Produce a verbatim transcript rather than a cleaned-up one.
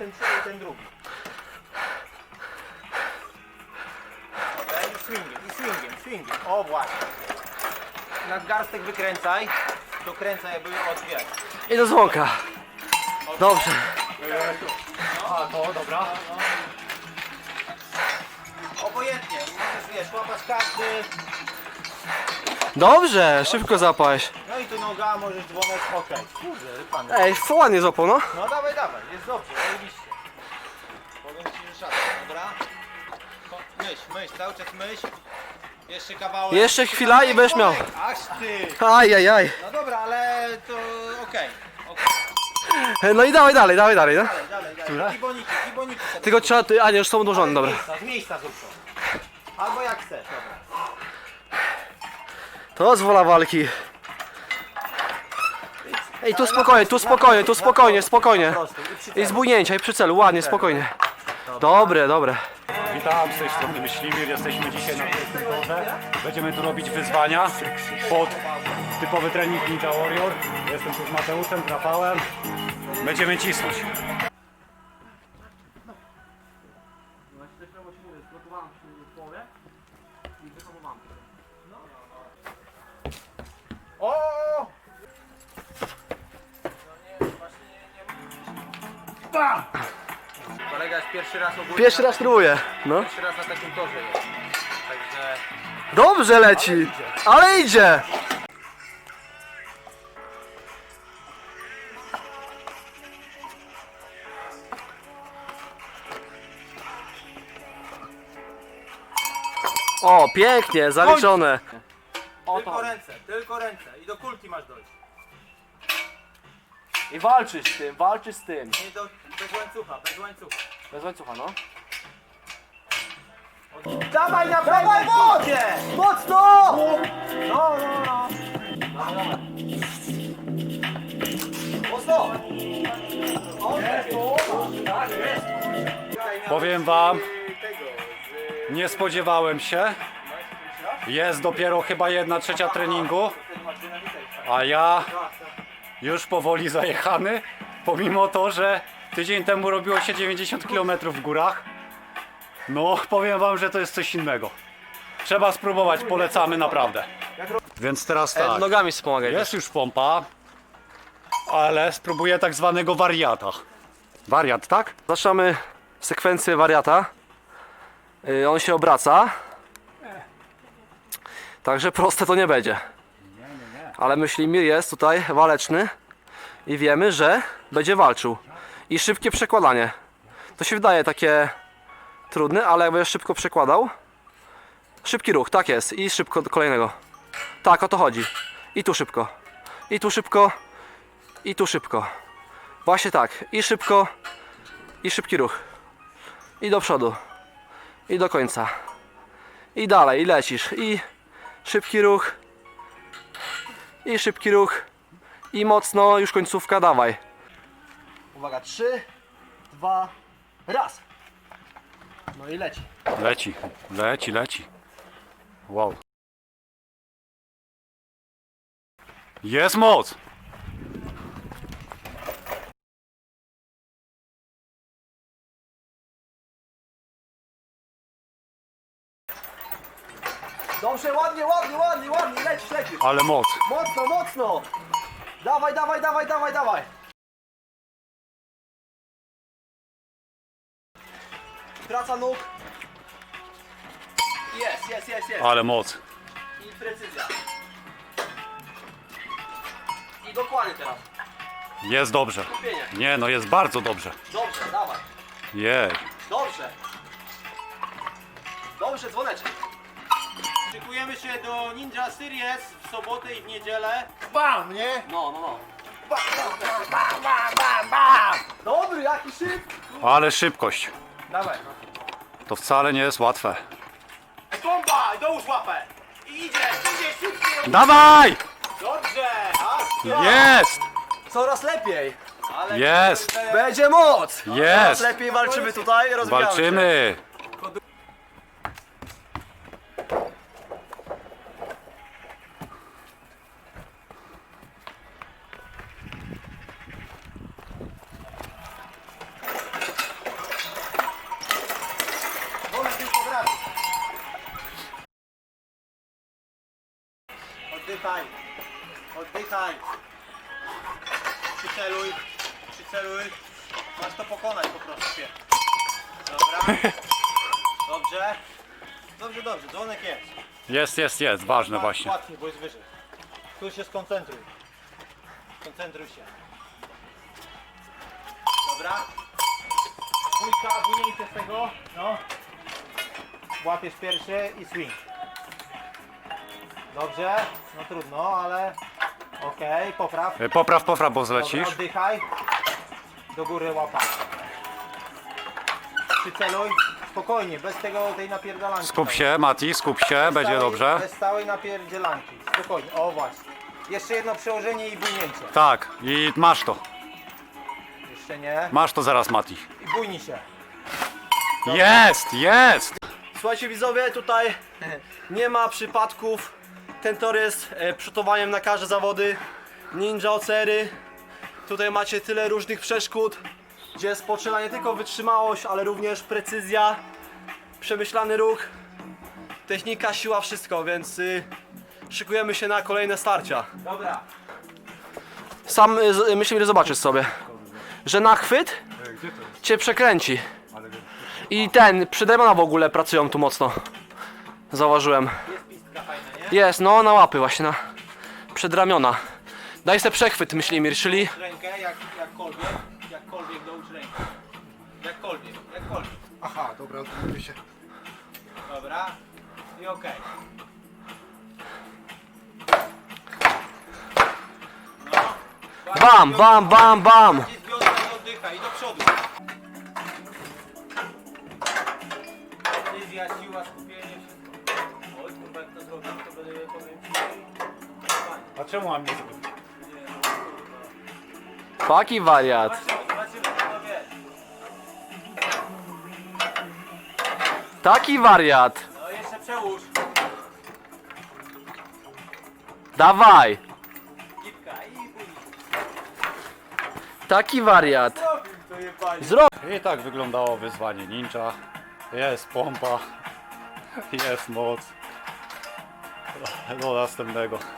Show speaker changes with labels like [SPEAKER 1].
[SPEAKER 1] ten przód i ten drugi. Okej, i swingiem, i swingiem, swingiem. O właśnie. Nadgarstek wykręcaj. Dokręcaj jakby od wiesz.
[SPEAKER 2] I do dzwonka. Dobrze.
[SPEAKER 1] A to dobra. Obojętnie, możesz wiesz, łapać każdy.
[SPEAKER 2] Dobrze, szybko zapałeś.
[SPEAKER 1] No i tu noga, możesz dzwonek, okej. Kurde, pan.
[SPEAKER 2] Ej, ładnie złapał, no.
[SPEAKER 1] No dawaj, dawaj, jest dobrze, oczywiście. Powiem ci, że szatan, dobra? Ko- Myśl, myśl, cały czas myśl. Jeszcze kawałek.
[SPEAKER 2] Jeszcze chwila i będziesz miał.
[SPEAKER 1] Aż ty.
[SPEAKER 2] Aj, aj, aj.
[SPEAKER 1] No dobra, ale to okej. okej.
[SPEAKER 2] No i dawaj dalej, dawaj dalej, no.
[SPEAKER 1] Dalej, dalej, dalej. Kiboniki, kiboniki. sobie.
[SPEAKER 2] Tylko trzeba, ty, a nie, już są odłożone,
[SPEAKER 1] Ale
[SPEAKER 2] dobra.
[SPEAKER 1] Z miejsca, z miejsca zrób to. Albo jak chcesz, dobra.
[SPEAKER 2] To zwola walki. Ej, tu spokojnie, tu spokojnie, tu spokojnie, spokojnie.
[SPEAKER 1] Po prostu. I przy
[SPEAKER 2] I
[SPEAKER 1] celu.
[SPEAKER 2] z bujnięcia, i przy celu, ładnie, spokojnie. Dobre, dobre.
[SPEAKER 3] Witam, z tej strony Myśliwir, jesteśmy dzisiaj na pięknym torze. Będziemy tu robić wyzwania pod typowy trening Ninja Warrior. Jestem tu z Mateuszem, Rafałem. Będziemy cisnąć.
[SPEAKER 1] O! Kolega jest pierwszy raz ogólnie.
[SPEAKER 2] Pierwszy
[SPEAKER 1] na
[SPEAKER 2] raz
[SPEAKER 1] takim-
[SPEAKER 2] próbuję, no.
[SPEAKER 1] Pierwszy raz na takim torze jest. Także
[SPEAKER 2] Dobrze leci, ale idzie. O, pięknie, zaliczone.
[SPEAKER 1] tylko ręce, tylko ręce. I do kulki masz dojść.
[SPEAKER 2] I walczysz z tym, walczysz z tym.
[SPEAKER 1] Nie do, bez łańcucha, bez łańcucha.
[SPEAKER 2] Bez łańcucha, no.
[SPEAKER 1] Dawaj na dawaj wodzie!
[SPEAKER 2] Mocno!
[SPEAKER 1] No, no, no. Dawaj, dawaj. Mocno! O, jest, tak jest.
[SPEAKER 3] Powiem wam, nie spodziewałem się. Jest dopiero chyba jedna trzecia treningu, a ja już powoli zajechany, pomimo to, że tydzień temu robiło się dziewięćdziesiąt kilometrów w górach. No, powiem wam, że to jest coś innego. Trzeba spróbować, polecamy naprawdę. Więc teraz tak,
[SPEAKER 2] Nogami wspomagaj.
[SPEAKER 3] jest już pompa, ale spróbuję tak zwanego wariata. Wariat, tak?
[SPEAKER 2] Zaczynamy sekwencję wariata. Yy, on się obraca. Także proste to nie będzie. Ale Myślimir jest tutaj waleczny i wiemy, że będzie walczył. I szybkie przekładanie. To się wydaje takie trudne, ale jak będziesz szybko przekładał. Szybki ruch, tak jest. I szybko do kolejnego. Tak, o to chodzi. I tu szybko. I tu szybko. I tu szybko. Właśnie tak. I szybko. I szybki ruch. I do przodu. I do końca. I dalej, i lecisz. I szybki ruch. I szybki ruch. I mocno, już końcówka, dawaj. Uwaga, trzy, dwa, raz. No i leci.
[SPEAKER 3] Leci, leci, leci. Wow. Jest moc!
[SPEAKER 2] Dobrze, ładnie, ładnie, ładnie, ładnie, lecisz, lecisz.
[SPEAKER 3] Ale moc.
[SPEAKER 2] Mocno, mocno. Dawaj, dawaj, dawaj, dawaj, dawaj. Praca nóg. Jest, jest, jest, jest.
[SPEAKER 3] Ale moc.
[SPEAKER 2] I precyzja. I dokładnie teraz.
[SPEAKER 3] Jest dobrze.
[SPEAKER 2] Skupienie.
[SPEAKER 3] Nie no, jest bardzo dobrze.
[SPEAKER 2] Dobrze, dawaj.
[SPEAKER 3] Jej.
[SPEAKER 2] Dobrze. Dobrze, dzwoneczek.
[SPEAKER 1] Szykujemy się do Ninja Series w sobotę i w niedzielę.
[SPEAKER 2] Bam, nie? No, no, no. Bam, bam, bam, bam, bam, bam. Dobry, jaki szybki.
[SPEAKER 3] Ale szybkość.
[SPEAKER 1] Dawaj.
[SPEAKER 3] To wcale nie jest łatwe.
[SPEAKER 1] Bomba! Dołóż łapę! I idzie, idzie szybciej!
[SPEAKER 3] Dawaj!
[SPEAKER 1] Dobrze! Aż
[SPEAKER 3] Jest!
[SPEAKER 2] Coraz lepiej.
[SPEAKER 1] Ale
[SPEAKER 3] Jest!
[SPEAKER 2] Będzie moc. Coraz
[SPEAKER 3] Jest!
[SPEAKER 2] lepiej walczymy tutaj, rozwijamy się.
[SPEAKER 3] Walczymy!
[SPEAKER 1] oddychaj. Oddychaj. Przyceluj. Przyceluj. Masz to pokonać po prostu się. Dobra. Dobrze. Dobrze, dobrze. Dzwonek jest.
[SPEAKER 3] Jest, jest, jest, ważne właśnie.
[SPEAKER 1] Łatwiej, bo jest wyżej. Tu się skoncentruj. Skoncentruj się. Dobra. Dwójka, wyjmijcie z tego. No. Łapiesz pierwszy i swing. Dobrze. No trudno, ale... Okej, popraw.
[SPEAKER 3] E, Popraw, popraw, bo
[SPEAKER 1] Dobra,
[SPEAKER 3] zlecisz.
[SPEAKER 1] oddychaj. Do góry łapa. Przyceluj. Spokojnie, bez tego tej napierdalanki.
[SPEAKER 3] Skup się, Mati, skup się,
[SPEAKER 1] Bez
[SPEAKER 3] będzie
[SPEAKER 1] stałej-
[SPEAKER 3] dobrze.
[SPEAKER 1] Bez stałej napierdzielanki. Spokojnie, o właśnie. Jeszcze jedno przełożenie i bujnięcie.
[SPEAKER 3] Tak, i masz to.
[SPEAKER 1] Jeszcze nie.
[SPEAKER 3] Masz to zaraz, Mati.
[SPEAKER 1] I bujnij się.
[SPEAKER 3] Jest, jest!
[SPEAKER 2] Słuchajcie widzowie, tutaj nie ma przypadków. Ten tor jest e, przygotowaniem na każde zawody. Ninja Ocery. Tutaj macie tyle różnych przeszkód, gdzie jest potrzebna nie tylko wytrzymałość, ale również precyzja, przemyślany ruch, technika, siła, wszystko, więc y, szykujemy się na kolejne starcia.
[SPEAKER 1] Dobra.
[SPEAKER 2] Sam y, z- myślę, że zobaczysz sobie, że na chwyt cię przekręci. I ten, przydremiona w ogóle pracują tu mocno. Zauważyłem.
[SPEAKER 1] Jest pistka fajna, nie?
[SPEAKER 2] Jest, no na łapy właśnie, na przedramiona. Daj sobie przechwyt, myślimir, czyli
[SPEAKER 1] Rękę, jak, jakkolwiek, jakkolwiek dołóż rękę. Jakkolwiek, jakkolwiek.
[SPEAKER 4] Aha, dobra, odmówię się.
[SPEAKER 1] Dobra. I okej. No.
[SPEAKER 2] bam, bam, bam, bam.
[SPEAKER 1] I z biodra i oddychaj, i do przodu. Decyzja, siła, skupienie, wszystko. Oj, kurwa, jak to zrobić, to będę, powiem ci, fajnie.
[SPEAKER 3] A czemu mam nie zrobić?
[SPEAKER 2] Taki wariat.
[SPEAKER 1] Zobaczymy, zobaczymy, kto wie.
[SPEAKER 2] Taki wariat.
[SPEAKER 1] No jeszcze przełóż.
[SPEAKER 2] Dawaj.
[SPEAKER 1] Gipka i bujnik.
[SPEAKER 2] Taki wariat.
[SPEAKER 1] Zrobił to jebanie.
[SPEAKER 2] Zro...
[SPEAKER 3] I tak wyglądało wyzwanie ninja. Jest pompa. Jest moc. Do następnego.